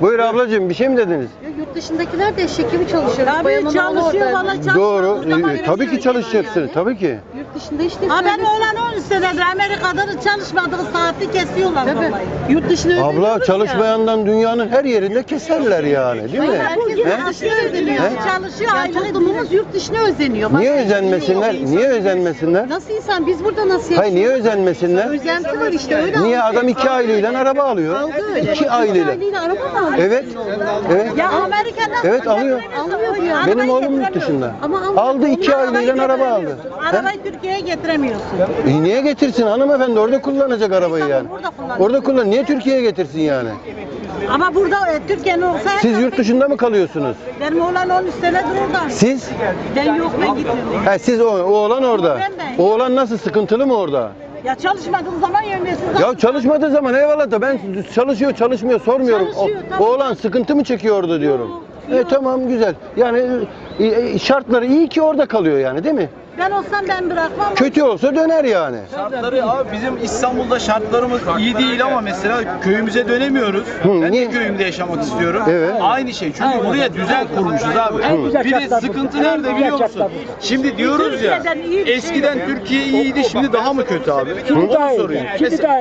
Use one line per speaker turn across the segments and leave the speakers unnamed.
Buyur ablacığım, bir şey mi dediniz?
Yurt dışındakiler de eşek gibi çalışıyor.
Tabii çalışıyor valla çalışıyor.
Doğru. Tabii ki çalışacaksın. Tabii ki.
Yurt dışında işte.
Ha ben oğlan 10 senedir Amerika'da çalışmadığı saati kesiyorlar
Tabii.
vallahi.
Yurt dışına özeniyoruz
Abla çalışmayandan dünyanın her yerinde keserler yani, değil mi?
Herkes
He?
yurt dışına özeniyor.
He?
Çalışıyor
Yani
aile
toplumumuz yurt dışına özeniyor.
Niye
Başka
özenmesinler?
hiçbir şey yok.
Niye özenmesinler?
Nasıl insan? Biz burada nasıl yaşıyoruz?
Hayır, niye özenmesinler?
Özenti var işte öyle.
Niye
aldı.
adam 2 aileyle araba alıyor?
Aldı öyle.
2 aileyle.
araba mı alıyor?
Evet. Evet.
Ya Amerika'da
Evet, alıyor.
Alıyor yani.
Benim oğlum yurt dışında.
Ama
Aldı 2 aileyle araba aldı.
Arabayı Türkiye'ye getiremiyorsun.
Niye getirsin hanımefendi? Orada kullanacak arabayı yani.
Burada kullanıyor.
Orada kullan. Niye Türkiye'ye getirsin yani?
Ama burada Türkiye'nin olsa
Siz yurt dışında mı kalıyorsunuz?
benim oğlan 13 senedir orada.
Siz?
Ben yok ben gitmiyorum.
He, siz oğlan orada.
Ben.
Oğlan nasıl, sıkıntılı mı orada?
Ya çalışmadığım zaman yönetiyorsun.
Ya çalışmadığı zaman eyvallah da ben çalışıyor çalışmıyor sormuyorum.
Çalışıyor, tabii.
Oğlan sıkıntı mı çekiyor orada diyorum. Tamam güzel. Yani şartları iyi ki orada kalıyor yani, değil mi?
Ben olsam ben bırakmam.
Kötü olsa döner yani.
Şartları abi bizim İstanbul'da şartlarımız iyi değil ama mesela köyümüze dönemiyoruz. Ben
niye?
de köyümde yaşamak istiyorum.
Evet.
Aynı şey. Çünkü buraya düzen kurmuşuz abi. Bir de sıkıntı nerede biliyor musun? Şimdi diyoruz ya
Türkiye'den iyi bir şey
eskiden
yok.
Türkiye iyiydi şimdi daha mı kötü abi? Onu soruyorum. Mesela,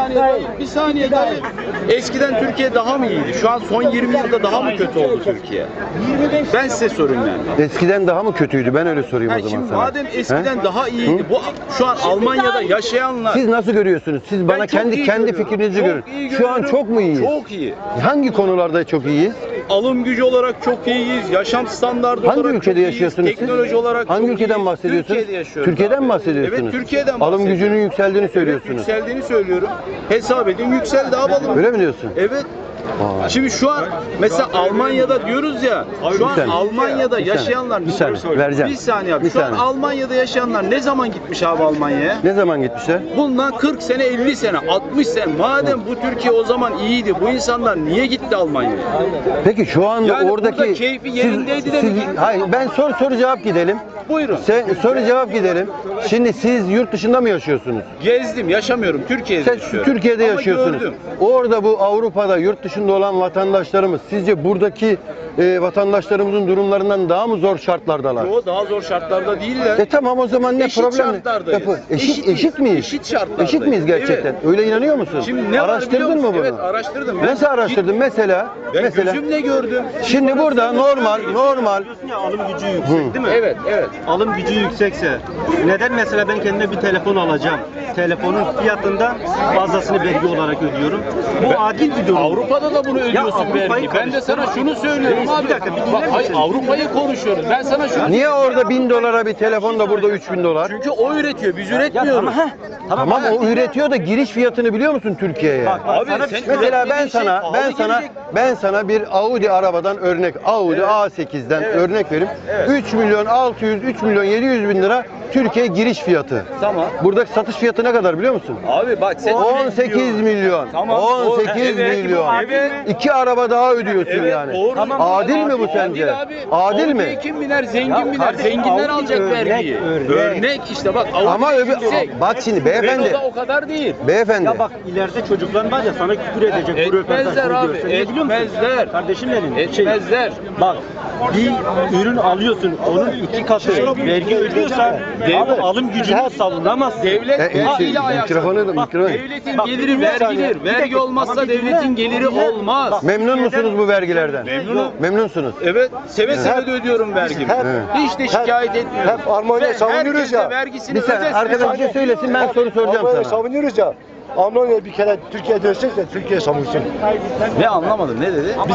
bir saniye daha. Eskiden Türkiye daha mı iyiydi? Şu an son 20 yılda daha mı kötü oldu Türkiye? Ben size sorayım yani.
Eskiden daha mı kötüydü? Ben öyle sorayım
Ha,
o zaman
şimdi
sana.
madem eskiden
He?
daha iyiydi. Bu şu an Almanya'da yaşayanlar
Siz nasıl görüyorsunuz? Siz bana
çok
kendi
iyi
kendi
görüyorum.
fikrinizi
Çok
görün.
iyi
Şu an
görüyorum.
çok mu iyiyiz?
Çok iyi.
Hangi konularda çok iyiyiz?
Alım gücü olarak çok iyiyiz. Yaşam standartı
Hangi
olarak
ülkede
çok
yaşıyorsunuz
iyiyiz.
siz?
Teknoloji olarak
Hangi
çok
ülkeden
iyiyiz.
bahsediyorsunuz?
Türkiye'de yaşıyorum.
Türkiye'den mi bahsediyorsunuz?
Evet, Türkiye'den
Alım
bahsediyorum.
gücünün yükseldiğini
Evet,
söylüyorsunuz.
yükseldiğini söylüyorum. Hesap edin yükseldi alalım.
Öyle mi diyorsun?
Evet.
Aa.
Şimdi şu an mesela Almanya'da diyoruz ya, şu an
saniye.
Almanya'da
Bir saniye.
yaşayanlar
Bir saniye, vereceğim.
Bir saniye abi.
Bir
Şu an
saniye.
Almanya'da yaşayanlar ne zaman gitmiş abi Almanya'ya?
Ne zaman gitmişler?
Bundan 40 sene, 50 sene, 60 sene. Madem bu Türkiye o zaman iyiydi, bu insanlar niye gitti Almanya'ya?
Peki şu anda
Yani
oradaki
burada keyfi yerindeydi de mi gitti?
hayır, ben soru cevap gidelim.
Buyurun.
Soru cevap gidelim. Şimdi siz yurt dışında mı yaşıyorsunuz?
Gezdim, yaşamıyorum. Türkiye'de
Sen
yaşıyorum.
Türkiye'de
Ama
yaşıyorsunuz.
gördüm.
Orada bu Avrupa'da yurt dışında olan vatandaşlarımız sizce buradaki vatandaşlarımızın durumlarından daha mı zor şartlardalar?
O daha zor şartlarda değiller.
Tamam o zaman ne
Eşit
problem?
şartlardayız.
Eşit miyiz?
Eşit şartlardayız.
Eşit miyiz gerçekten?
Evet.
Öyle inanıyor musun?
Şimdi ne var biliyor
Araştırdın
musun?
mı bunu?
Evet, araştırdım. Ben
Nasıl araştırdın? Mesela
Ben gözümle gördüm.
şimdi burada normal
Diyorsun ya, alım gücü yüksek değil mi?
Evet, evet.
Alım gücü yüksekse neden mesela ben kendime bir telefon alacağım? Telefonun fiyatında fazlasını vergi olarak ödüyorum. Bu adil bir durum.
Avrupa'da da bunu ödüyorsun
Avrupa'yı
vergi. Ben de sana
karıştırma.
şunu söylüyorum
Reis,
abi.
bir dakika, bir dinler
Bak, hayır,
misin?
Avrupa'yı konuşuyoruz. Ben sana şunu
niye orada 1000 dolara bir telefon da burada 3000 dolar?
Çünkü o üretiyor, biz
Ya
üretmiyoruz.
tamam,
Tamam o üretiyor da giriş fiyatını biliyor musun Türkiye'ye?
Bak,
Abi
sana bir
sen
şey
Mesela
üretmediğin şey
ben sana bir Audi arabadan örnek, Audi A8'den örnek vereyim. 3 milyon 600, 3 milyon 700 bin lira Türkiye giriş fiyatı.
Tamam.
Buradaki satış fiyatı ne kadar biliyor musun?
Abi bak sen
18 milyon.
Tamam.
18
Evet,
milyon.
evet.
2 araba daha ödüyorsun
Evet,
yani.
doğru. Tamam.
Adil mi bu sence?
Adil abi.
Adil mi?
Avrupa'ya kim biner? Zengin
Ya
biner.
kardeşim,
Zenginler
Avrupa
alacak
örnek,
vergiyi.
örnek.
İşte bak.
Ama
Avrupa
öbür
yüksek.
bak şimdi beyefendi.
Renault'da o kadar değil.
Beyefendi.
Ya bak ileride çocukların var ya sana küfür edecek bu
Etmezler
röportajı
abi,
görse. Ne biliyor musun?
etmezler.
Kardeşim benim.
Etmezler.
Bak bir ürün alıyorsun onun 2 katı vergi ödüyorsan abi alım gücünü savunamazsın.
Devlet ile ayakta.
Mikrofonu.
Devletin
Bak,
geliri
bir saniye,
vergidir.
bir
Vergi
dakika.
olmazsa
Ama bir dinle,
devletin geliri
bir dinle.
olmaz.
Bak,
Memnun musunuz bu vergilerden?
Memnunum.
Memnunsunuz.
Evet, seve seve de ödüyorum vergimi. Hiç de şikayet etmiyorum.
hep Almanya'yı
Ve
savunuyoruz
herkes de
ya.
vergisini
Bir saniye
ödesin.
arkadaş bir şey söylesin ben soru soracağım
Almanya'yı
sana.
savunuyoruz ya. Almanya bir kere Türkiye dönsün de Türkiye savunsun.
Ne anlamadım, ne dedi?
Biz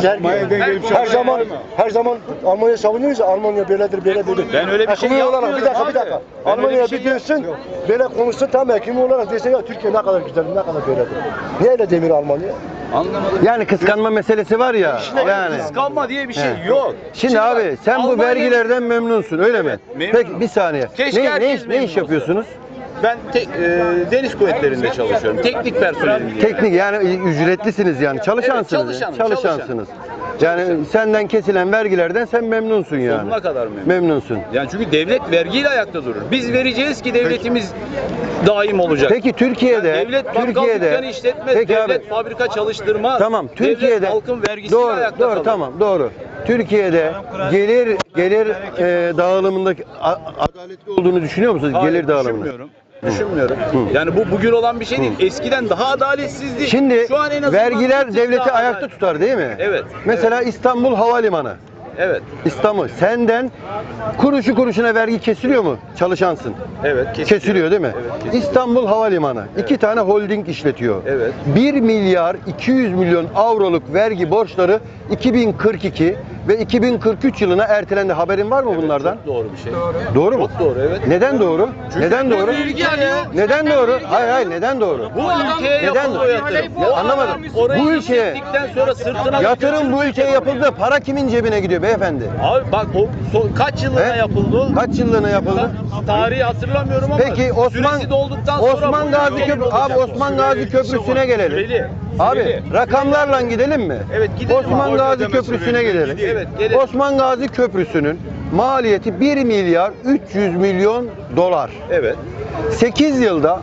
her zaman Almanya savunuyoruz ya. Almanya böyledir böyledir.
Ben öyle bir şey
Ekonomi olarak
yapmıyorum
bir dakika.
abi. Ben öyle
Almanya
bir şey
bir dönsün. Böyle konuşsun tamam ekonomi olarak desin ya Türkiye ne kadar güzel ne kadar böyledir. Niye öyle demiyor Almanya?
Anlamadım.
Yani kıskanma meselesi var ya. Yani.
Kıskanma diye bir şey yok.
Şimdi abi
bak,
sen bu
Almanya-
vergilerden memnunsun öyle mi?
memnunum.
Peki bir saniye.
Keşke herkes
Ne
memnun
iş
olsa.
yapıyorsunuz?
Ben deniz kuvvetlerinde çalışıyorum. Teknik personelim diye.
Teknik yani ücretlisiniz yani çalışansınız.
çalışanım,
Çalışansınız. Yani senden kesilen vergilerden sen memnunsun yani.
Sonuna kadar memnun.
Memnunsun.
Yani çünkü devlet vergiyle ayakta durur. Biz vereceğiz ki devletimiz daim olacak.
Peki Türkiye'de,
Yani devlet bakkal dükkanı işletmez,
peki
devlet
abi,
fabrika çalıştırmaz.
tamam Türkiye'de
Devlet halkın vergisiyle
doğru,
ayakta
doğru
kalır.
tamam doğru. Türkiye'de gelir dağılımındaki adaletli olduğunu düşünüyor musunuz?
Hayır,
Gelir dağılımında.
Düşünmüyorum. Yani bu bugün olan bir şey değil. Eskiden daha adaletsizdi.
Şimdi
Şu an en azından
vergiler
bir tık
devleti
daha
ayakta
adalet.
tutar değil mi?
Evet.
Mesela İstanbul Havalimanı.
Evet.
İstanbul senden kuruşu kuruşuna vergi kesiliyor mu? Çalışansın.
Evet.
Kesiliyor değil mi?
Evet, kesiliyor.
İstanbul Havalimanı 2 tane holding işletiyor.
Evet.
1 milyar 200 milyon avroluk vergi borçları 2042 ve 2043 yılına ertelendi. Haberin var mı bunlardan?
Çok doğru bir şey.
Doğru mu?
Çok doğru, evet.
Neden doğru? Neden doğru?
Bilgi alıyor.
Neden doğru? Hayır neden doğru?
Bu ülkeye
Neden
yapıldı o
doğru?
yatırım.
Ya anlamadım.
Orayı
Bu ülkeye
işlettikten sonra sırtına
yatırım bu ülkeye yapıldı. Para kimin cebine gidiyor beyefendi?
Abi bak o kaç yılına
He?
yapıldı o?
Kaç yıllığına yapıldı?
Tarihi hatırlamıyorum ama
Peki Osman
süresi dolduktan sonra
Osman
bu
Gazi
ülkenin
Köprü
olacak
abi
o.
Osman Gazi Köprüsü'ne gelelim.
Süreli.
Abi
Süreli.
rakamlarla gidelim mi?
Evet, gidelim
Osman
abi.
Gazi Köprüsü'ne gidelim.
Evet, gelelim.
Osman Gazi Köprüsü'nün maliyeti 1 milyar 300 milyon dolar.
Evet.
8 yılda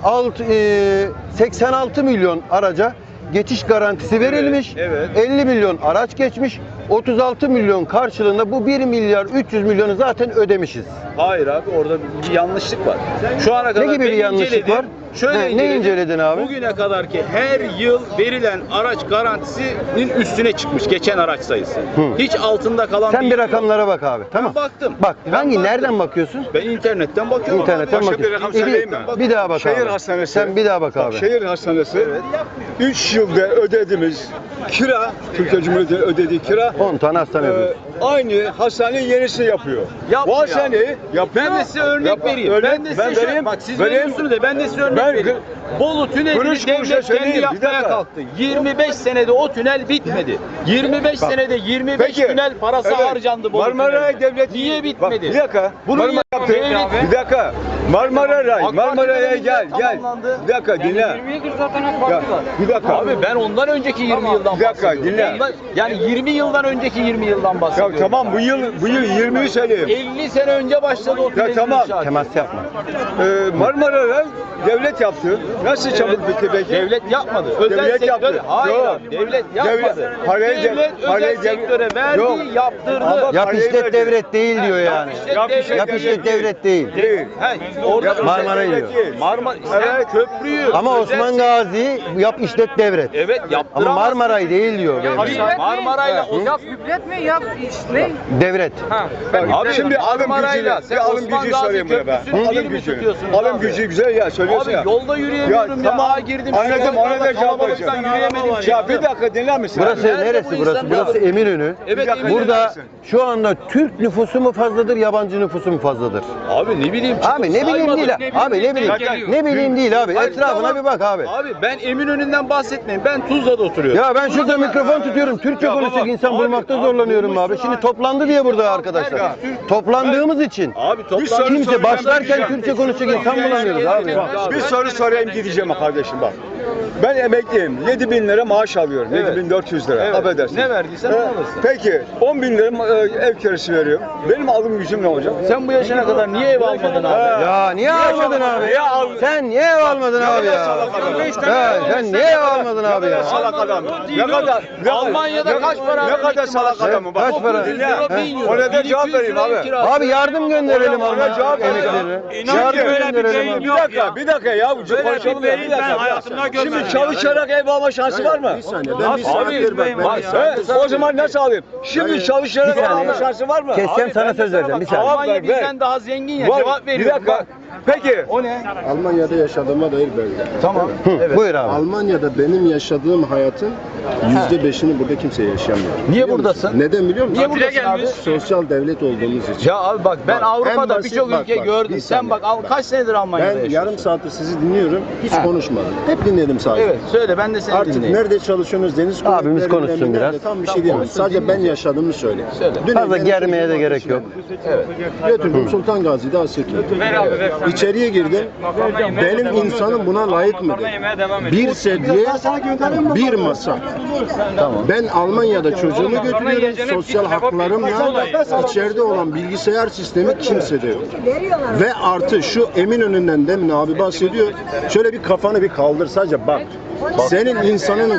86 milyon araca geçiş garantisi verilmiş.
evet.
50 milyon araç geçmiş. 36 milyon karşılığında bu 1 milyar 300 milyonu zaten ödemişiz.
Hayır abi orada bir yanlışlık var. Şu ana kadar
gibi bir
ben
yanlışlık
inceledim.
var?
Şöyle
Ne inceledin abi?
Bugüne kadar ki her yıl verilen araç garantisinin üstüne çıkmış geçen araç sayısı. Hiç altında kalan
Sen bir
yok.
rakamlara bak abi. Tamam.
baktım.
Bak
Ben
hangi
baktım.
nereden bakıyorsun?
Ben internetten bakıyorum.
İnternetten
Başka
bakıyorsun.
bir rakam
Bir,
söyleyeyim mi?
bir daha bak
Şehir
abi.
hastanesi.
Sen bir daha bak abi.
Şehir hastanesi 3 yılda ödediğimiz kira, Türkiye Cumhuriyeti'nin ödediği kira
10 tane hastane yapıyorsun.
aynı hastanenin yenisini yapıyor.
Yapmıyor.
Bu hastaneyi yapıyor.
Ben de size örnek vereyim. Ben de size
vereyim.
bak siz veriyorsunuz da ben de size örnek
Ben-
vereyim. Bolu tünelini
Kuruş kuruşa
devlet kendi
söyleyeyim, bir
yapmaya
dakika.
kalktı. 25 senede o tünel bitmedi. 25 senede 25
Peki,
tünel parası
evet,
harcandı Bolu
Marmaray
tünelinde.
Devlet
Niye
Bak,
bitmedi?
bir dakika.
Bunu
Marmara
niye-
yaptı.
devlet-
Bir dakika. Marmara Ray,
AK Parti
Marmara'ya
döneminde
gel.
tamamlandı.
Bir dakika dinle. Ya, bir dakika.
Abi ben ondan önceki 20 yıldan
bir dakika,
bahsediyorum.
dinle.
Yani 20 yıldan önceki 20 yıldan
Ya
bahsediyorum.
tamam bu yıl 20'yi söyleyeyim.
50 sene önce başladı o tünelin
tamam.
inşaatı.
Temas yapma.
Marmara Ray devlet yaptı. Nasıl çabuk bitti peki?
Devlet yapmadı. Özel
Devlet
sektör.
yaptı.
Hayır.
Yok.
Devlet yapmadı.
Parayı
devlet
parayı
özel sektöre verdi,
Yok.
yaptırdı.
Ama
Yap
parayı
işlet
verdi.
devlet değil diyor yani. Yap işlet devlet değil.
Değil.
Orada
Yap-
Marmara'yı
devlet
diyor.
değil.
Marmara
Evet.
köprüyü.
Ama
özel
Osman Gazi yap işlet devlet.
Evet
Ama
yaptıramaz.
Marmaray değil diyor beyefendi.
Marmaray'la o
Yap hükümet mi yap ne?
Devlet.
Abi
Şimdi alım
Marmaray'la
gücü,
sen
bir alım
Osman
gücü
Gazi
sorayım buna ben.
Köprüsü'nü bir
Alım
mi
gücü.
tutuyorsunuz
Alım
abi?
gücü güzel ya söylüyorsun
Abi
ya.
yolda yürüyemiyorum ya.
tamam.
Aa, girdim.
Anladım ona da cevap
Kalabalıktan
vereceğim.
yürüyemedim.
Ya bir dakika dinler misin?
Burası
Nerede bu
neresi burası?
insanlar?
Burası Eminönü.
Evet,
Bir dakika,
Eminönü.
Burada
misin?
şu anda Türk nüfusu mu fazladır, yabancı nüfusu mu fazladır?
Abi ne bileyim.
Abi ne bileyim
saymadım.
değil. Abi ne bileyim. Ne bileyim değil abi.
Hayır,
Etrafına
tamam.
bir bak abi.
Abi ben Eminönü'nden bahsetmeyin. Ben Tuzla'da oturuyorum.
Ya ben şurada mikrofon tutuyorum. Türkçe
Ya
konuşacak
baba,
insan
abi,
bulmakta
abi,
zorlanıyorum abi.
bulmuşsun
Şimdi
abi.
toplandı diye burada arkadaşlar.
Herkes
Toplandığımız için.
Abi
soru
Kimse
soracağım,
başlarken
gideceğim.
Türkçe konuşacak insan bulamıyoruz abi.
Bir soru sorayım gideceğim kardeşim bak. Ben emekliyim. 7.000 lira maaş alıyorum.
Evet.
7.400 lira.
Evet.
Affedersin.
Ne verdiysen onu alırsın.
Peki 10.000 lira ev kirası veriyorum. Benim alım gücüm ne olacak?
Sen bu yaşına kadar niye ev almadın abi?
Ya niye almadın abi?
Niye almadın?
Sen niye ev almadın abi ya? Ya sen niye ev almadın abi ya?
Salak adam.
değil
Ne
o.
kadar?
Almanya'da kaç para
Ne kadar
verdin
salak
maaşı?
adamı bak.
Kaç para?
Dinle.
Euro, 1000 euro.
Ona da cevap
1200
vereyim
lira ev
abi.
kirası.
Abi yardım gönderelim
Ona
ama
cevap ver ya.
emekleri. Yardım gönderelim abi.
Bir dakika ya. Konuşalım ya. Bir dakika. Şimdi çalışarak ev alma şansı var mı?
Bir saniye ben bir saniye
O zaman nasıl alayım? Şimdi çalışarak ev alma şansı var mı?
Keseceğim sana söz vereceğim bir saniye.
Almanya
Ver, ver.
bizden daha zengin ya.
Var.
Cevap
Bir
veriyorum.
dakika. Peki.
O ne?
Almanya'da yaşadığıma dair belge.
Tamam.
Hı, buyur abi.
Almanya'da benim yaşadığım hayatın %5'ini burada kimse yaşamıyor.
Niye
Biliyor
buradasın?
musun? Neden biliyor musun?
Niye buradasın abi?
Sosyal devlet olduğumuz için.
Ya abi bak ben
Bak,
Avrupa'da
en basit
birçok
bak,
ülke
bak,
gördüm.
bir
Sen
saniye.
bak kaç senedir Almanya'da
Ben
yaşıyorsun?
yarım saattir sizi dinliyorum. Hiç konuşmadım. Hep dinledim sadece.
Evet söyle ben de seni
Artık
dinleyeyim.
nerede çalışıyorsunuz? Deniz
Abimiz
kuvvetlerinde
konuşsun
mi,
biraz.
nerede? Tam bir şey diyemem. Sadece ben yaşadığımı söyle.
Söyle.
Dün
Fazla
benim
germeye de
çocuğum
gerek yok.
Götürdüm Sultan Gazi'de Asya İçeriye girdim. Benim insanım buna layık mı dedim. Bir sedye, bir masa. Ben Almanya'da çocuğumu götürüyorum. Sosyal haklarımla içeride olan bilgisayar sistemi kimsede yok. Ve artı şu Eminönü'nden demin abi bahsediyor. Şöyle bir kafanı bir kaldır sadece bak. Senin insanının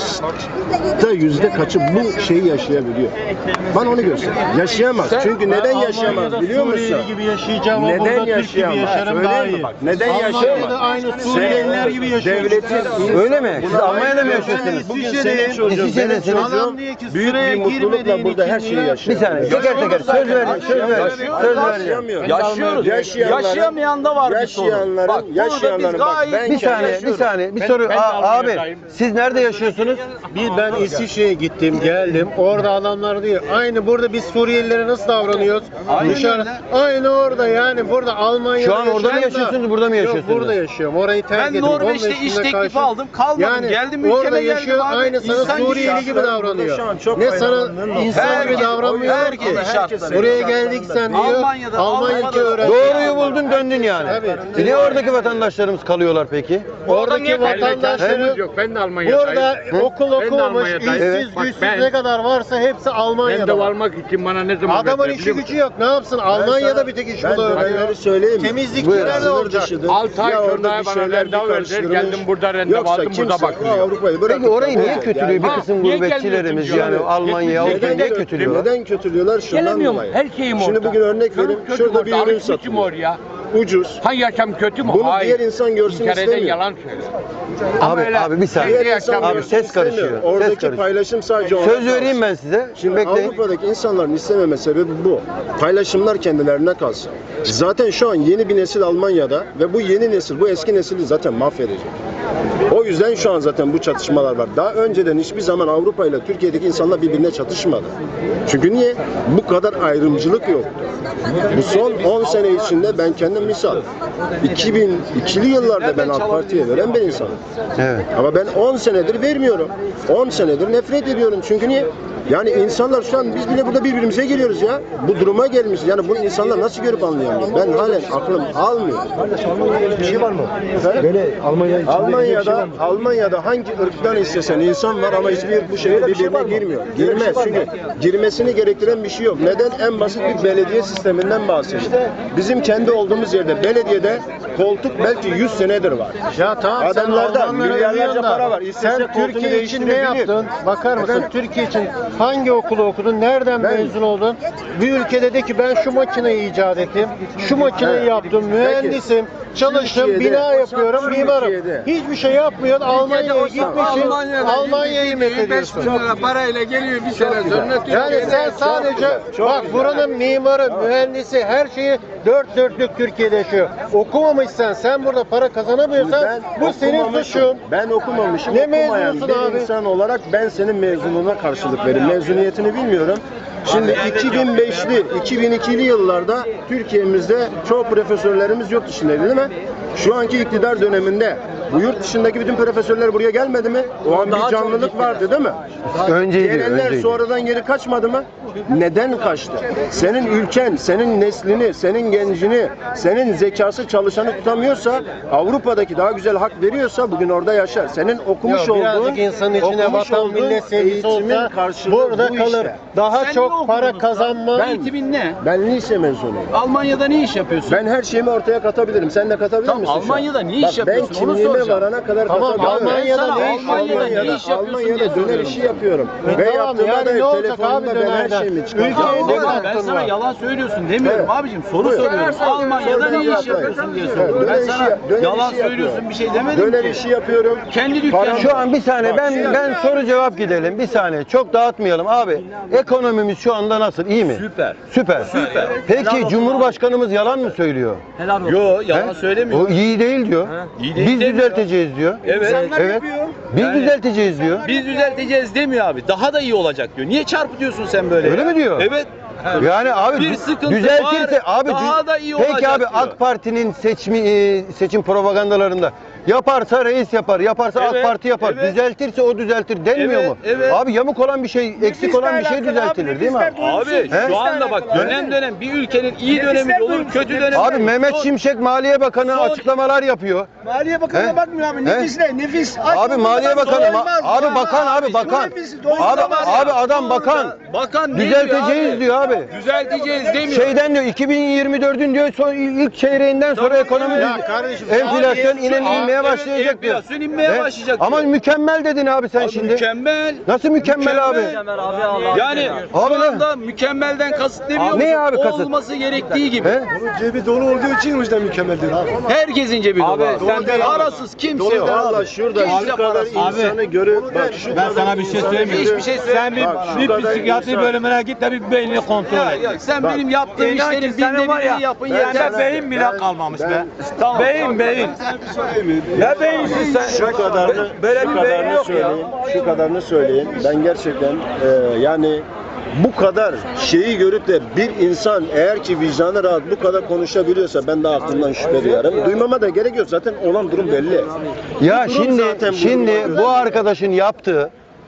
kaçta yüzde kaçı bu şeyi yaşayabiliyor? Bana onu göster. Yaşayamaz. Çünkü neden yaşayamaz biliyor musun?
Suriyeli gibi yaşayacağım ama
Neden
burada Türk gibi
yaşayamaz?
yaşarım daha
Söyleyeyim mi
iyi.
bak? Neden
Almanya'da
yaşayamaz?
aynı Suriyeliler gibi yaşıyoruz.
Devletin
Öyle mi? Siz Almanya'da mı yaşıyorsunuz?
Bugün senin çocuğun, benim
İsviçre'desiniz.
çocuğum büyük bir mutlulukla burada her şeyi
Bir
yaşıyor.
saniye teker teker söz ver. Söz ver. Söz vereceğim.
Yaşıyoruz. Yaşayamayan da var bir sorun. Bak burada biz gayet
Bir saniye. Bir soru. Abi siz nerede yaşıyorsunuz?
Ben İsviçre'ye gittim, geldim. Orada adamlar diyor. Aynı burada biz Suriyelilere nasıl davranıyoruz? Dışarı. Aynı orada yani. Burada Almanya'da
Şu an orada mı
yaşayan da-
yaşıyorsunuz, burada mı yaşıyorsunuz?
Yok, burada yaşıyorum. Orayı terk
Ben
ettim.
Norveç'te
15
iş
günde
teklifi
karşı-
aldım. Kalmadım.
Yani
Geldim
orada
ülkeme geldim
yaşıyor,
abi.
aynı sana
İnsan gibi
Suriyeli gibi davranıyor.
Şu an çok
Ne sana
faydalandığın
insan
nokta.
gibi davranmıyor
Herkes-
ki.
herkes-
Buraya geldik sen diyor.
Almanya'da-
Almanya'da öğrenci.
Doğruyu buldun döndün yani.
Tabii.
Niye oradaki vatandaşlarımız kalıyorlar peki?
Oradaki vatandaşları
yok. Ben de Almanya'dayım.
burada okul okumamış,
Almanya'dayım.
işsiz,
Bak
güçsüz
ben-
ne kadar varsa hepsi
Ben de
Almanya'da.
varmak için bana ne zaman
Adamın
verdiler
işi
biliyor
gücü yok. Ne yapsın? Almanya'da bir tek iş
Ben
buluyor.
detayları söyleyeyim mi?
Temizlikçiler de olacak.
6 ay
Ya
sonra
orada bir
bana
şeyler
randevu
bir
verdiler.
karıştırılmış.
Geldim burada randevu
Yoksa
aldım, burada
kimse
bakmıyor.
Avrupa'yı bırakıp
Peki orayı niye
yani
kötülüyor bir kısım
niye
gurbetçilerimiz
gelmiyorsun
yani Almanya,
Neden
Avrupa'yı niye kötülüyorlar?
Neden kötülüyorlar? Şundan
Gelemiyorum.
dolayı.
Her şeyim orada.
Şimdi bugün örnek vereyim.
Kötü
Şurada bir
orada,
ürün
alışmışım
satılıyor.
oraya.
Ucuz.
Ha yaşam kötü mü?
Bunu
Hayır.
diğer insan görsün
İnkar eden
istemiyor.
yalan söylüyor. Ama öyle
Abi bir saniye.
Diğer
Diğer
insan
yaşam-
Abi
görsün
ses
istemiyor.
karışıyor. Ses
Oradaki
karışıyor.
paylaşım sadece ona
Söz
kalsın.
vereyim ben size.
Şimdi
Bekleyin.
Avrupa'daki insanların istememe sebebi bu. Paylaşımlar kendilerine kalsın. Zaten şu an yeni bir nesil Almanya'da ve bu yeni nesil, bu eski nesili zaten mahvedecek. O yüzden şu an zaten bu çatışmalar var. Daha önceden hiçbir zaman Avrupa ile Türkiye'deki insanlar birbirine çatışmadı. Çünkü niye? Bu kadar ayrımcılık yoktu. Bu son 10 sene içinde ben kendim misal 2002'li yıllarda ben AK Parti'ye veren bir insanım.
Evet.
Ama ben 10 senedir vermiyorum. 10 senedir nefret ediyorum. Çünkü niye? Yani insanlar şu an biz bile burada birbirimize geliyoruz ya. Bu duruma gelmiş. Yani bunu insanlar nasıl görüp anlayamıyor? Ben halen aklım almıyor.
Bir şey var mı? Böyle Almanya içinde
Almanya'da hangi ırktan istesen insan var ama hiçbir ırk bu şekilde birbirine girmiyor. Girmez çünkü girmesini gerektiren bir şey yok. Neden? En basit bir belediye sisteminden bahsediyor. Bizim kendi olduğumuz yerde belediyede koltuk belki 100 senedir var.
Ya tamam
Adamlarda
sen Almanlara
milyarlarca
övüyorsun da
para var. İstese
Sen
koltuğunu
Türkiye için ne
değiştirebilir.
yaptın? Bakar mısın? Türkiye için hangi okulu okudun? Nereden mezun oldun? Bir ülkede de ki ben şu makineyi icat ettim. Şu makineyi yaptım. Mühendisim. Çalıştım.
Türkiye'de-
Bina yapıyorum. Mimarım.
Türkiye'de-
Hiçbir şey yapmıyorsun. Almanya'ya gitmişsin. Almanya'yı methediyorsun.
parayla geliyor bir sene sonra.
Yani sen sadece bak buranın mimarı, mühendisi her şeyi dört dörtlük Türkiye'de yaşıyor. Okumamışsan sen burada para kazanamıyorsan bu senin
okumamışım.
suçun.
Ben okumamışım.
Ne
okumayan
mezunusun
bir
abi?
insan olarak ben senin mezunluğuna karşılık veririm. Mezuniyetini bilmiyorum. Şimdi 2005'li, 2002'li yıllarda Türkiye'mizde çoğu profesörlerimiz yurt dışındaydı değil mi? Şu anki iktidar döneminde bu yurt dışındaki bütün profesörler buraya gelmedi mi? O an bir canlılık vardı değil mi?
Önceydi,
Gelenler
önceydi.
sonradan geri kaçmadı mı? Neden kaçtı? Senin ülken, senin neslini, senin gencini, senin zekası çalışanı tutamıyorsa, Avrupa'daki daha güzel hak veriyorsa bugün orada yaşar. Senin okumuş
Yok,
olduğun,
birazcık insanın içine
okumuş
vatan
olduğun
millet sevgisi
eğitimin
olsa
karşılığı
burada
bu
kalır.
işte.
Daha
Sen
çok
ne
para
okudun
kazanma.
Eğitimin ne?
Ben lise mezunuyum.
Almanya'da ne iş yapıyorsun?
Ben her şeyimi ortaya katabilirim. Sen de katabilir
Tamam,
misin? şu an?
Almanya'da ne iş
Bak,
yapıyorsun?
Ben
Onu
kimliğime
soracağım.
varana kadar
Tamam,
katabilirim.
Almanya'da
Ben sana
ne iş
Almanya'da ne iş yapıyorsun
Almanya'da
diye
döner
soruyorum.
işi yapıyorum. Ve
Tamam,
yaptığımda
yani ne
da
olacak abi
telefonumda ben her
dönerden?
şeyimi çıkartıyorum.
Ülkeye ne
Ama ben
katkın
sana
var?
yalan söylüyorsun demiyorum
Evet.
abicim. Soru
Buyur.
soruyorum. Almanya'da ne iş
Söyle,
yapıyorsun diye
Evet,
soruyorum. Ben
döner
sana
işi- döner
yalan
işi
söylüyorsun
yapıyorum.
bir şey demedim
Döner
ki.
işi yapıyorum.
Kendi dükkanı.
Şu an bir saniye ben soru cevap gidelim. Bir saniye. Çok dağıtmayalım abi. Ekonomimiz şu anda nasıl? İyi mi?
Süper.
Süper. Peki Cumhurbaşkanımız yalan mı söylüyor?
Yo yalan
He?
söylemiyor.
O iyi değil diyor.
İyi değil
Biz
demiyor.
düzelteceğiz diyor.
Evet.
Evet. Biz düzelteceğiz diyor.
Biz düzelteceğiz demiyor abi. Daha da iyi olacak diyor. Niye çarpıtıyorsun sen böyle?
Öyle
ya?
mi diyor?
Evet.
Yani abi
Bir sıkıntı
düzeltirse
var,
abi
daha da iyi
peki
olacak
abi
diyor.
AK Parti'nin seçim propagandalarında Yaparsa reis yapar, yaparsa AK
Evet,
Parti yapar.
evet.
Düzeltirse o düzeltir denmiyor
Evet,
mu?
evet.
Abi yamuk olan bir şey, eksik olan bir şey düzeltilir değil mi abi?
Abi
He?
şu anda bak dönem bir ülkenin iyi dönemi de olur, kötü dönemi.
Abi Mehmet Şimşek Maliye Bakanı açıklamalar yapıyor.
Maliye Bakanı'na
He?
bakmıyor abi.
He?
Nefis ne? Nefis.
Abi Maliye Bakanı, abi bakan, Abi adam bakan.
Bakan ne
Düzelteceğiz
abi?
diyor abi.
Düzelteceğiz demiyor.
Şeyden diyor 2024'ün diyor son ilk çeyreğinden sonra ekonomi enflasyon inmeye başlayacak diyor.
Enflasyon inmeye
He?
başlayacak
Ama
diyor.
mükemmel dedin abi sen
Abi
şimdi.
mükemmel.
Nasıl mükemmel abi?
Yani
Abi
şu
ne?
anda mükemmelden kasıt ne biliyor
Ne
musun?
abi
O
kasıt?
olması gerektiği gibi.
He?
Cebi dolu olduğu için o yüzden mükemmeldir.
Herkesin cebi dolu. Abi, parasız kimse yok.
Valla şurada
Kimse
şu kadar
parasız.
insanı görüp bak şu
Ben sana bir şey söyleyeyim mi?
Hiçbir şey
Sen bir psikiyatri bölümüne git de bir beynini kontrol
Ya,
et.
ya, sen benim yaptığım
İnan ki
işlerin
senin
binde
var ya,
birini yapın
sende
yeter.
beyin bile kalmamış be.
Tamam.
Beyin. Ne beyinsiz sen?
şu kadarını
Böyle
şu
bir beyin
kadarını
yok ya.
söyleyeyim. Şu kadarını söyleyeyim. Ben gerçekten yani bu kadar şeyi görüp de bir insan eğer ki vicdanı rahat bu kadar konuşabiliyorsa ben de aklımdan şüphe duyarım. Duymama da gerek yok. Zaten olan durum belli.
Ya
Durum zaten
şimdi bu arkadaşın yaptığı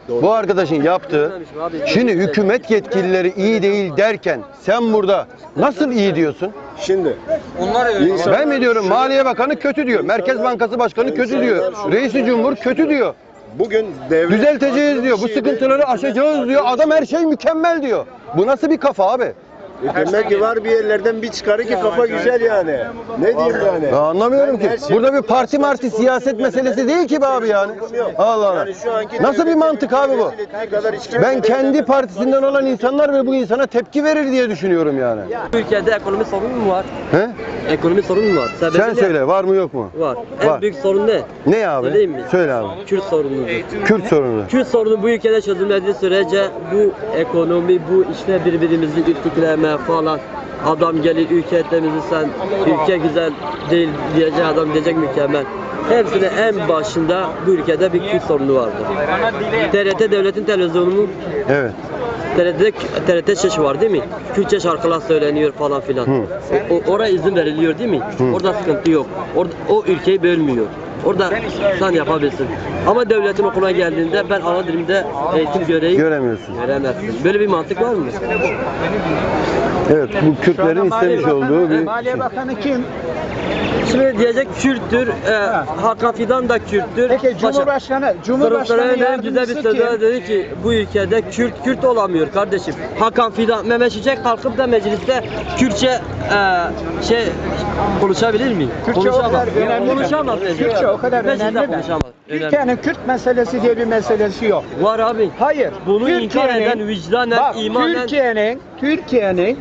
şimdi hükümet yetkilileri iyi değil derken sen burada nasıl iyi diyorsun?
Şimdi
Ben mi diyorum Maliye Bakanı kötü diyor. Merkez Bankası Başkanı kötü diyor. Reisi Cumhur kötü diyor.
bugün devlet
Düzelteceğiz diyor. Bu sıkıntıları aşacağız diyor. Adam her şey mükemmel diyor. Bu nasıl bir kafa abi?
demek ki var bir yerlerden bir çıkarı ki kafa güzel yani. Ne diyeyim yani?
Ben anlamıyorum ki.
Her şey-
Burada bir parti marti siyaset meselesi değil ki be abi yani. Allah Allah.
Yani şu anki
Nasıl bir
devletin
mantık abi bu?
rezil ettiği kadar hiç kimse
Ben kendi
değil.
partisinden olan insanlar ve bu insana tepki verir diye düşünüyorum yani.
Ülkede ekonomi sorunu mu var?
He?
Ekonomi sorunu mu var? Sebebi
Sen
ne?
söyle var mı yok mu?
Var.
Var.
En büyük sorun ne?
Ne abi?
Söyleyeyim mi?
Söyle abi.
Kürt sorunudur.
Kürt sorunu.
Kürt sorunu bu ülkede çözülmediği sürece bu ekonomi, bu işte birbirimizi ürtükleme falan. Adam gelir ülke temizlesen, ülke güzel değil diyecek adam diyecek mükemmel. Hepsinin en başında bu ülkede bir Kürt sorunu vardır. TRT devletin televizyonu mu?
Evet.
TRT şaşı var değil mi? Kürtçe şarkılar söyleniyor falan filan. Oraya izin veriliyor değil mi? Orada sıkıntı yok. Orada, o ülkeyi bölmüyor. Orada sen yapabilirsin. Ama devletin okuluna geldiğinde ben ana dilimde eğitim
Göremiyorsun.
göremezsin. Böyle bir mantık var mı?
Evet, bu Kürtlerin istemiş olduğu bir
Maliye Bakanı kim?
Şimdi diyecek Kürttür, Hakan Fidan da Kürttür.
Peki Cumhurbaşkanı
benim güzel bir
yardımcısı
sözler
kim?
dedi ki bu ülkede Kürt olamıyor kardeşim. Hakan Fidan, Mehmet Şimşek kalkıp da mecliste Kürtçe konuşabilir mi?
Kürtçe o kadar önemli mi?
Konuşamaz.
Kürtçe o kadar
Mecliste
önemli mi?
konuşamaz. Önemli.
Türkiye'nin Kürt meselesi diye bir meselesi yok.
Var abi.
Hayır.
Bunu inkar eden vicdanen,
bak,
imanen...
Türkiye'nin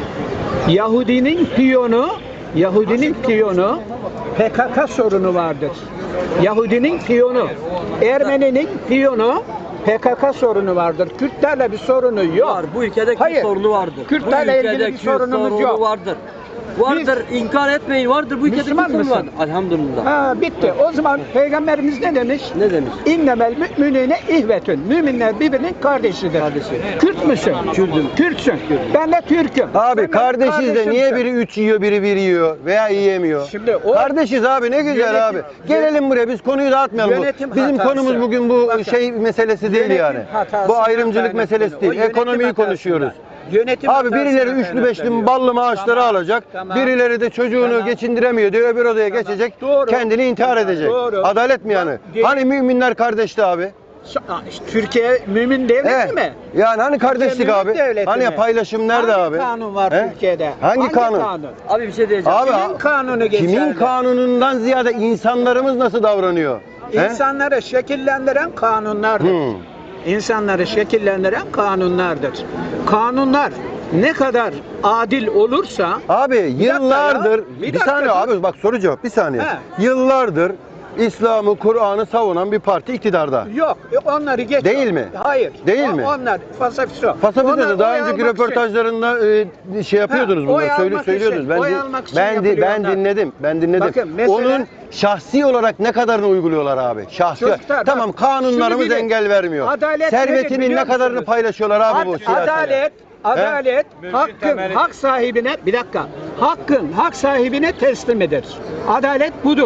Yahudinin piyonu PKK sorunu vardır. Yahudinin piyonu, Ermeninin piyonu PKK sorunu vardır. Kürtlerle bir sorunu yok.
Var. Bu ülkede Kürt
Hayır.
sorunu vardır.
Kürtlerle
Bu ülkede
ilgili bir
Kürt
sorunumuz
sorunu
yok.
vardır. Vardır. İnkar etmeyin. Vardır. Bu ülkede
Müslüman
Kürt sorunu
mısın?
vardır. Elhamdülillah.
Ha, bitti. O zaman Peygamberimiz ne demiş?
Ne demiş?
İnnemel müminine ihvetün. Müminler birbirinin kardeşidir.
Kardeşi.
Kürt müsün?
Kürt'üm.
Kürtsün. Ben de Türk'üm.
Abi
Sen
kardeşiz de
kardeşimsin.
niye biri 3 yiyor biri 1 yiyor veya yiyemiyor?
Şimdi o
Kardeşiz abi ne güzel
Yönetim-
abi. Gelelim buraya biz konuyu dağıtmayalım.
Yönetim
Bizim
hatası.
konumuz bugün bu
Bakın,
şey meselesi değil
yönetim
yani.
hatası
Bu ayrımcılık
kaynaklı.
meselesi
O
değil.
yönetim
Ekonomiyi
hatasından.
konuşuyoruz.
Yönetim
Abi
hatasından
birileri üçlü beşli
kaynaklanıyor.
ballı maaşları
Tamam,
alacak.
tamam.
Birileri de çocuğunu
Tamam.
geçindiremiyor diyor. Öbür odaya geçecek.
Doğru.
Kendini intihar edecek.
Doğru.
Adalet mi yani?
Bak,
Hani müminler kardeşti abi?
İşte Türkiye mümin devleti
Evet.
mi?
Yani hani kardeşlik
Türkiye
abi?
mümin devleti
Hani
mi?
paylaşım nerede
Hangi
abi?
kanun var
He?
Türkiye'de?
Hangi kanun?
Abi bir şey diyeceğim.
Abi
Kimin kanunu geçerli?
kimin kanunundan ziyade insanlarımız nasıl davranıyor? He?
İnsanları şekillendiren kanunlardır. İnsanları şekillendiren kanunlardır. Kanunlar ne kadar adil olursa
Abi yıllardır
Bir
bir saniye
dakika.
abi bak soru cevap bir saniye.
He.
Yıllardır İslam'ı, Kur'an'ı savunan bir parti iktidarda.
yok. Onları geç.
Değil mi?
Hayır.
Değil mi?
Onlar fasafiso.
Fasafisa'da daha
Onlar oy
önceki
almak için-
röportajlarında şey yapıyordunuz
Ha, oy
bunları
almak
söylüyordunuz.
için, oy almak için
Ben
yapılıyor
dinledim. Ben dinledim.
Bakın, mesela-
Onun şahsi olarak ne kadarını uyguluyorlar abi? Şahsi.
Çocuklar,
Tamam
bak,
kanunlarımız
şunu bilin.
engel vermiyor.
Adalet nedir
Servetinin
biliyor
ne kadarını
musunuz?
paylaşıyorlar abi bu siyasiler?
Adalet hak sahibine hak sahibine teslim eder. Adalet budur.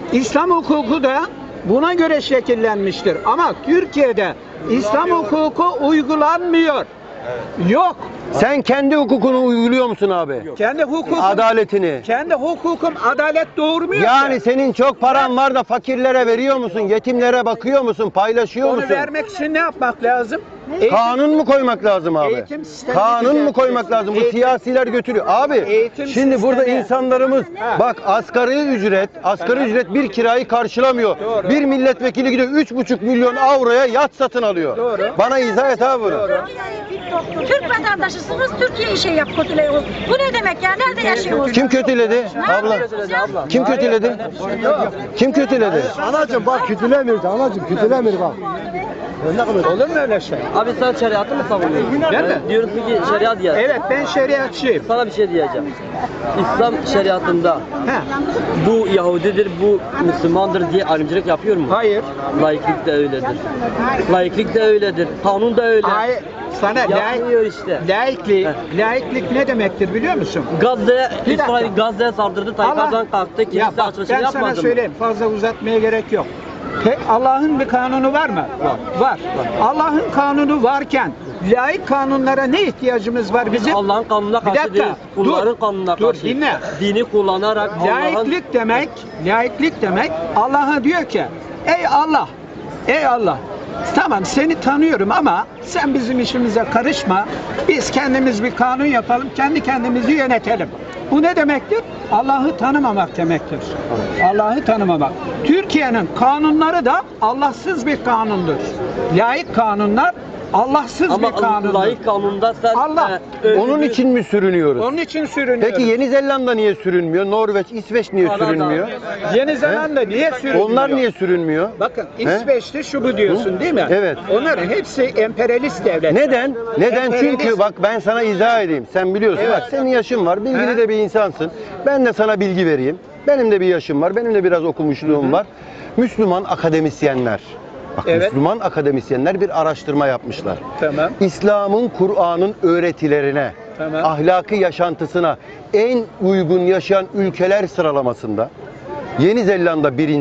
İslam hukuku da buna göre şekillenmiştir. Ama Türkiye'de İslam hukuku uygulanmıyor. Yok.
Sen kendi hukukunu uyguluyor musun abi?
Kendi hukukum,
Adaletini.
kendi hukukum adalet doğurmuyor.
Yani
ki.
senin çok paran var da fakirlere veriyor musun? Yetimlere bakıyor musun? Paylaşıyor
Onu
musun?
vermek için ne yapmak lazım?
Kanun mu koymak lazım abi?
Eğitim sistemini
Kanun mu koymak
düzelteceksin.
lazım? Bu siyasiler götürüyor. Abi
Eğitim
şimdi burada
sistemi.
insanlarımız bak asgari ücret bir kirayı karşılamıyor.
Doğru.
Bir milletvekili gidiyor 3,5 milyon avroya yat satın alıyor.
Doğru.
Bana izah et abi bunu.
Türk vatandaşısınız, Türkiye'yi şey yap, kötüleyin. Bu ne demek ya? Nerede yaşıyorsunuz?
Kim kötüledi?
Ne
Abla.
yapıyorsunuz ya?
Kim kötüledi? Kim kötüledi?
Anacığım bak kötülemiyor anacığım kötülemiyor bak.
Olur mu öyle şey?
Abi sen şeriatı mı savunuyorsun?
Ben mi?
Diyorsun ki şeriat diye.
Evet, ben şeriatçıyım.
Sana bir şey diyeceğim. İslam şeriatında
He.
bu Yahudidir, bu Müslümandır diye ayrımcılık yapıyor mu?
Hayır.
Laiklik de öyledir. Laiklik de öyledir. Kanun da öyle.
Hayır. Sana
Yapmıyor işte.
laiklik ne demektir biliyor musun?
Gazze'ye,
Bir dakika.
İsrail Gazze'ye saldırdı, Tayyip
Allah-
Erdoğan kalktı,
Ya
kilise
bak,
açılışını
ben sana
yapmadı mı?
söyleyeyim, fazla uzatmaya gerek yok. Allah'ın bir kanunu var mı? Var. Allah'ın kanunu varken laik kanunlara ne ihtiyacımız var bizim?
Allah'ın kanununa
Bir
karşı
dakika,
değiliz. Kulların kanununa
dur,
karşı.
dinle.
Dini kullanarak Allah'ın...
Laiklik demek Allah'a diyor ki ey Allah tamam seni tanıyorum ama sen bizim işimize karışma. Biz kendimiz bir kanun yapalım, kendi kendimizi yönetelim. Bu ne demektir? Allah'ı tanımamak demektir. Allah'ı tanımamak. Türkiye'nin kanunları da Allahsız bir kanundur. Laik kanunlar Allahsız bir
Ama
kanundur.
laik kanunda sen...
Allah.
Onun için mi sürünüyoruz?
Onun için sürünüyoruz.
Peki Yeni Zelanda niye sürünmüyor? Norveç, İsveç niye
Kanada.
sürünmüyor?
Yeni Zelanda niye sürünüyor?
Onlar niye sürünmüyor?
Bakın İsveç'te şu bu diyorsun değil mi?
Evet.
Onların hepsi emperyalist devletler.
Neden? Neden?
Emperyalist-
Çünkü bak ben sana izah edeyim. Sen biliyorsun.
Evet.
Bak senin yaşın var. Bilgili
He.
de bir insansın. Ben de sana bilgi vereyim. Benim de bir yaşım var. Benim de biraz okumuşluğum var. Müslüman akademisyenler. Bak
Evet.
Müslüman akademisyenler bir araştırma yapmışlar.
Tamam.
İslam'ın, Kur'an'ın öğretilerine,
Tamam.
ahlaki yaşantısına en uygun yaşayan ülkeler sıralamasında Yeni Zelanda 1.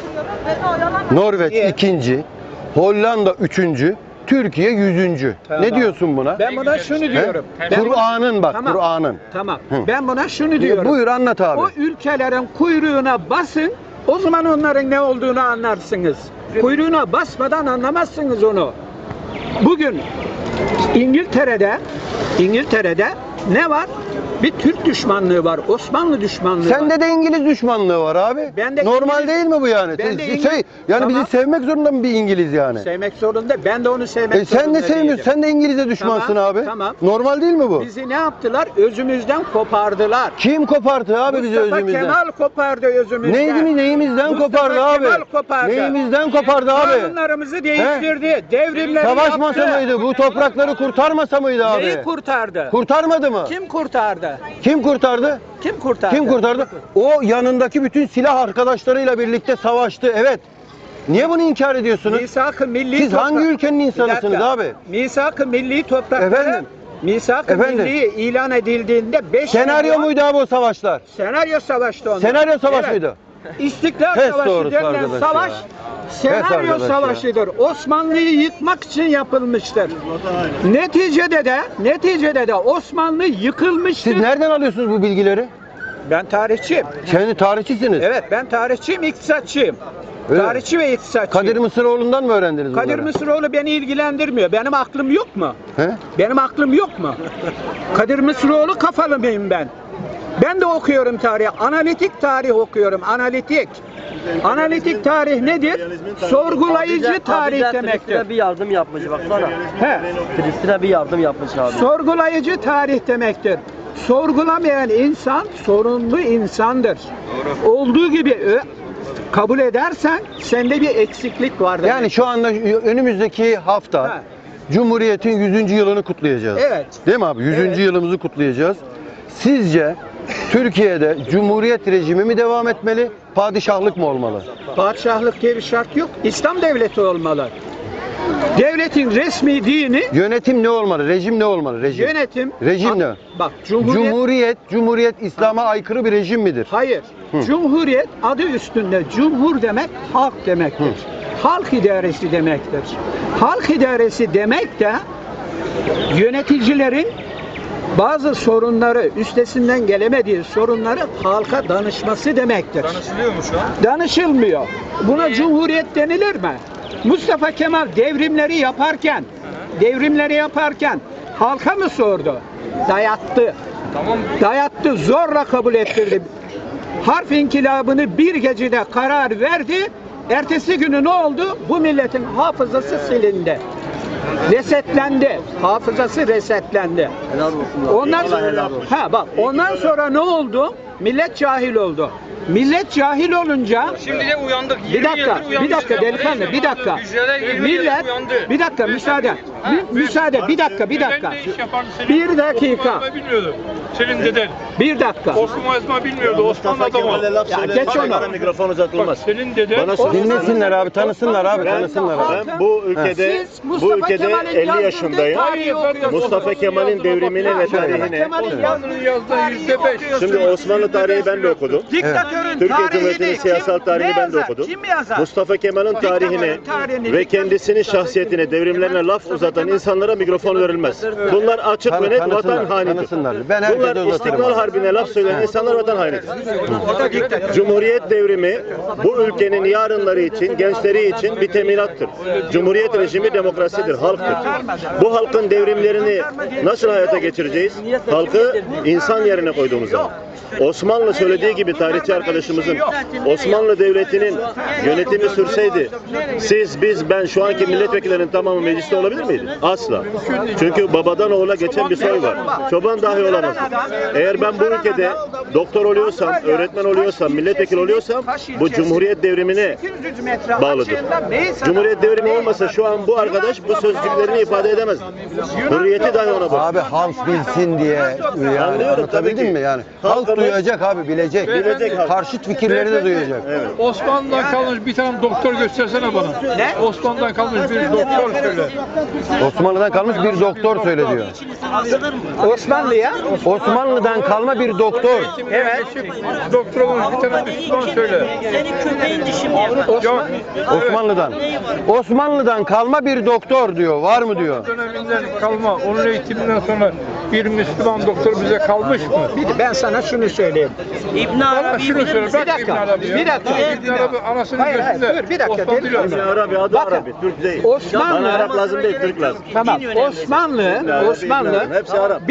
Norveç
İyi.
2. Hollanda 3. Türkiye 100.
Tamam.
Ne diyorsun buna?
Ben buna şunu
He?
diyorum.
Kur'an'ın bak,
Tamam.
Kur'an'ın.
Tamam.
Hı.
Ben buna şunu diyorum.
Buyur anlat abi.
O ülkelerin kuyruğuna basın. O zaman onların ne olduğunu anlarsınız. Kuyruğuna basmadan anlamazsınız onu. Bugün İngiltere'de ne var? Bir Türk düşmanlığı var, Osmanlı düşmanlığı var.
Sende de İngiliz düşmanlığı var abi.
Bende
Normal
İngiliz-
değil mi bu yani?
Bende
Şey,
İngiliz-
yani
Tamam.
bizi sevmek zorunda mı bir İngiliz yani?
Sevmek zorunda. Ben de onu sevmek zorunda
Sen de sevmiyorsun.
değilim.
Sen de İngiliz'e düşmansın
Tamam,
abi.
tamam.
Normal değil mi bu?
Bizi ne yaptılar? Özümüzden kopardılar.
Kim kopardı abi bizi
Mustafa
özümüzden?
Kemal kopardı özümüzden.
Neyimizden
Mustafa
kopardı abi?
Kemal kopardı.
Neyimizden kopardı abi?
Kanunlarımızı değiştirdi. Devrimleri
Savaşmasa
yaptı.
mıydı? Bu toprakları kurtarmasa mıydı abi?
Neyi kurtardı?
Kurtarmadı mı?
Kim kurtardı?
Kim kurtardı?
Kim kurtardı?
Kim kurtardı? O yanındaki bütün silah arkadaşlarıyla birlikte savaştı. Evet. Niye bunu inkar ediyorsunuz?
Misak-ı milli
Siz hangi ülkenin insanısınız
Bir dakika.
abi?
Misak-ı milli toprakları
Efendim?
Misak-ı
Efendim?
milli ilan edildiğinde 5
Senaryo muydu abi o savaşlar?
Senaryo savaştı onlar.
Senaryo savaş
Evet.
mıydı?
İstiklal
Pes
Savaşı
doğrusu
denilen
arkadaş
savaş
ya.
senaryo
arkadaş ya.
savaşıdır. Osmanlı'yı yıkmak için yapılmıştır. Neticede de Osmanlı yıkılmıştır.
Siz nereden alıyorsunuz bu bilgileri?
Ben tarihçiyim.
Kendi tarihçisiniz.
Evet, ben tarihçiyim, iktisatçıyım.
Öyle mi?
Tarihçi ve iktisatçıyım.
Kadir Mısıroğlu'ndan mı öğrendiniz bunları?
Kadir Mısıroğlu beni ilgilendirmiyor. Benim aklım yok mu?
He?
Benim aklım yok mu? Kadir Mısıroğlu kafalı mıyım ben? Ben de okuyorum tarih. Analitik tarih okuyorum. Analitik. Analitik tarih nedir? Sorgulayıcı tarih demektir.
Filistin'e bir yardım yapmış baksana.
He.
Filistin'e bir yardım yapmış abi.
Sorgulayıcı tarih demektir. Sorgulamayan insan sorunlu insandır. Olduğu gibi kabul edersen sende bir eksiklik var.
Yani şu anda önümüzdeki hafta
Ha.
Cumhuriyet'in 100. yılını kutlayacağız.
Evet.
Değil mi abi? 100.
Evet.
yılımızı kutlayacağız. Sizce Türkiye'de Cumhuriyet rejimi mi devam etmeli, padişahlık mı olmalı?
Padişahlık diye bir şart yok. İslam devleti olmalı. Devletin resmi dini
Yönetim ne olmalı? Rejim ne olmalı? Rejim.
yönetim.
Rejim ne?
Bak
Cumhuriyet İslam'a aykırı bir rejim midir?
Hayır. Cumhuriyet adı üstünde cumhur demek halk demektir. Halk idaresi demektir. Halk idaresi demek de yöneticilerin bazı sorunları, üstesinden gelemediği sorunları halka danışması demektir.
Danışılıyor mu şu an?
Danışılmıyor. Buna cumhuriyet denilir mi? Mustafa Kemal devrimleri yaparken halka mı sordu? Dayattı.
Tamam.
Dayattı, zorla kabul ettirdi. Harf inkılabını bir gecede karar verdi. Ertesi günü ne oldu? Bu milletin hafızası silindi. Resetlendi. Hafızası resetlendi. Ondan sonra ne oldu? Millet cahil oldu. Millet cahil olunca
Şimdi de uyandık.
bir dakika delikanlı, bir dakika. Millet, bir dakika müsaade. Bir dakika. Bir dakika.
Bilmiyordum. Senin deden.
Bir dakika.
Osman bilmiyordu. Osman adamı.
Ya geç onu.
Mikrofon uzatılmaz.
Senin deden.
Dinlesinler abi, tanısınlar abi, tanısınlar abi.
Ben bu ülkede
Siz Mustafa Kemal'in
50
yazdığı
yaşındayım.
tarihi okuyorsunuz.
Mustafa Kemal'in devrimini ve tarihini.
Osmanlı'nın yazdığı %5.
Şimdi Osmanlı tarihi ben de okudum.
Diktatörün
Türkiye
tarihini
Cumhuriyeti'nin siyasal tarihini ben de okudum.
Kim yazar?
Mustafa Kemal'in tarihini ve kendisinin şahsiyetine, devrimlerine laf uzatan insanlara mikrofon verilmez. Bunlar açık ve net vatan hainidir.
Tanısınlar. Ben herkese
Bunlar
uzatırım.
İstiklal Harbi'ne laf söyleyen insanlar vatan hainidir. Cumhuriyet devrimi bu ülkenin yarınları için, gençleri için bir teminattır. Cumhuriyet rejimi demokrasidir, halktır. Bu halkın devrimlerini nasıl hayata geçireceğiz? Halkı insan yerine koyduğumuz zaman. Osmanlı söylediği gibi tarihçi arkadaşımızın Osmanlı Devleti'nin yönetimi sürseydi siz, biz, ben şu anki milletvekillerinin tamamı mecliste olabilir miydi? Asla. Çünkü babadan oğula geçen bir soy var. Çoban dahi olamaz. Eğer ben bu ülkede doktor oluyorsam, öğretmen oluyorsam, milletvekili oluyorsam bu Cumhuriyet devrimine bağlıdır. Cumhuriyet devrimi olmasa şu an bu arkadaş bu sözcüklerini ifade edemez. Hürriyeti dahi ona bak.
Abi halk bilsin diye yani
Anlıyorum, tabii
anlatabildim
ki.
mi yani?
Halk
Halk duyacak abi, bilecek.
Bilecek.
Karşıt fikirleri de duyacak.
Osmanlı'dan kalmış bir tane doktor göstersene bana. Ne? Osmanlı'dan kalmış bir doktor söyle.
Osmanlı'dan kalmış bir doktor söyle diyor.
Osmanlı'ya
Osmanlı'dan kalma bir doktor.
Evet. Doktor olmuş bir tane Müslüman söyle.
Senin köpeğin dişi mi yapar?
Yok.
Osmanlı'dan kalma bir doktor diyor. Var mı diyor.
Döneminden kalma. Onun eğitiminden sonra bir Müslüman doktor bize kalmış mı?
ben sana şunu söyleyeyim.
İbn
Bana
Arabi
şunu söyle.
Bir
Bak
dakika,
İbn Arabi ya.
bir dakika.
İbn Arabi anasının
Hayır,
gözünde.
dur, bir dakika,
Osman
delikanlı.
biliyor.
İbn Arabi adı
Bakın,
Arabi, Türk değil.
Osmanlı-
Bana Arap lazım değil, Türk lazım.
Tamam. Osmanlı
Hepsi Arap.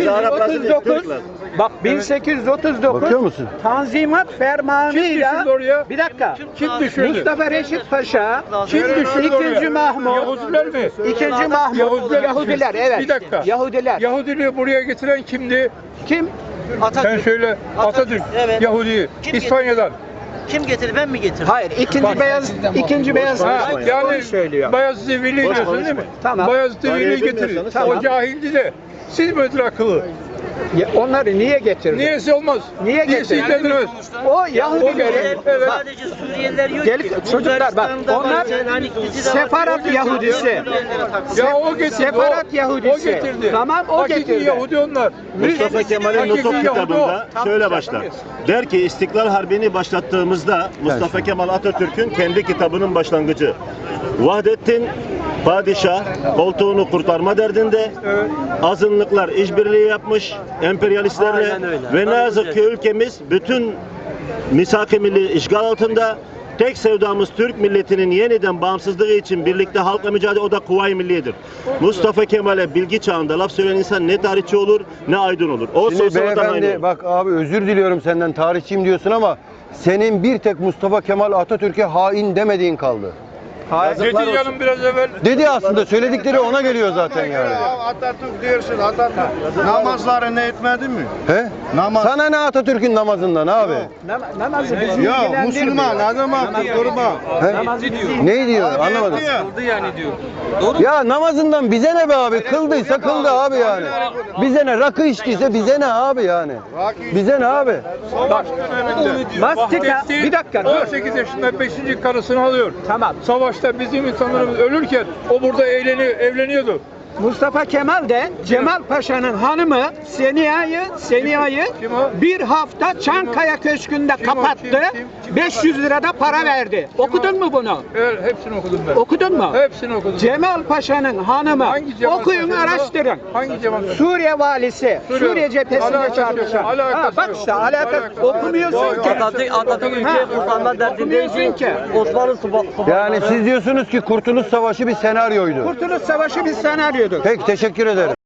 1839 bak 1839
Bakıyor musun?
Tanzimat fermanıyla
Kim düşürdü oraya?
bir dakika.
Kim düşürdü?
Mustafa Reşit Paşa,
Kim düşürdü oraya?
İkinci Mahmut,
Yahudiler mi?
İkinci Mahmut, Yahudiler evet.
Bir dakika.
Yahudiler.
Yahudiliği buraya getiren kimdi?
Kim?
Sen söyle. Atatürk.
Evet.
Yahudi'yi.
Kim
İspanya'dan.
Kim getirdi? Ben mi getirdim?
Hayır, ikinci beyaz
Ha, yani
söylüyor.
Bayezid-i Veli diyorsun değil mi?
Tamam.
Bayezid-i Veli getirir.
Tamam.
O cahildi de. Siz mi akıllı?
Onları niye getirdi?
Niyesi olmaz.
Niye
Niyesi
getirdi?
ilgilendirmez.
O Yahudileri
Evet.
Sadece Suriyeliler yok
Gel-
ki.
çocuklar bak,
Bulgaristan'da var,
onlar
Selanik'tesi de var.
Sefarat Yahudisi.
Ya o getirdi.
Sefarat
o.
Yahudisi.
O getirdi.
Tamam, o
Hakiki
getirdi.
Yahudi onlar.
Mustafa Kemal'in
Hakiki
Nutuk
Yahudi
kitabında
o.
şöyle başlar. Der ki İstiklal Harbi'ni başlattığımızda Mustafa Kemal Atatürk'ün kendi kitabının başlangıcı. Vahdettin padişah koltuğunu kurtarma derdinde, azınlıklar işbirliği yapmış emperyalistlerle ve ne yazık ki ülkemiz bütün misak-ı milli işgal altında. Tek sevdamız Türk milletinin yeniden bağımsızlığı için birlikte halkla mücadele, o da Kuvayi Milliye'dir. Mustafa Kemal'e bilgi çağında laf söyleyen insan ne tarihçi olur ne aydın olur. O
Şimdi
sosyal vatan haini
beyefendi
olur.
bak abi özür diliyorum senden, tarihçiyim diyorsun ama senin bir tek Mustafa Kemal Atatürk'e hain demediğin kaldı.
Dedi canım biraz evvel.
Dedi aslında, söyledikleri ona geliyor zaten yani.
Atatürk diyorsun, Atatürk. Namazları ne etmedi mi?
He?
Namaz.
Sana ne Atatürk'ün namazından abi?
Namazı bizi
Ya
ilgilendirmiyor.
Müslüman adam attı kurban.
He? Ne diyor? Anlamadım.
Kıldı yani diyor.
Ya namazından bize ne be abi? Kıldıysa kıldı abi yani. Bize ne? Rakı içtiyse bize ne abi yani? Bize ne abi?
Savaş döneminde.
Mastika,
Vahdettin
bir dakika, dur.
18 yaşında 5. karısını alıyor.
Tamam.
Savaşta işte bizim insanlarımız ölürken o burada evleniyordu.
Mustafa Kemal de Cemal Paşa'nın hanımı Seniya'yı
Kim o?
bir hafta Çankaya Köşkü'nde kapattı.
Kim?
500 lirada para verdi. Okudun mu bunu?
Evet, hepsini okudum ben.
Okudun mu?
Hepsini okudum.
Cemal Paşa'nın hanımı.
Hangi Cemal
Okuyun,
Paşa'nın o?
araştırın.
Hangi Cemal Paşa?
Suriye valisi, Suriye cephesinde
Alakası yok,
çalışan.
alakası
Bak
yok.
işte alakası. Okumuyorsun ki.
Atatürk ülkeyi kurtarma derdindeydi.
Okumuyorsun ki.
Osmanlı
Yani siz diyorsunuz ki Kurtuluş Savaşı bir senaryoydu.
Kurtuluş Savaşı bir senaryodur.
Peki teşekkür ederim.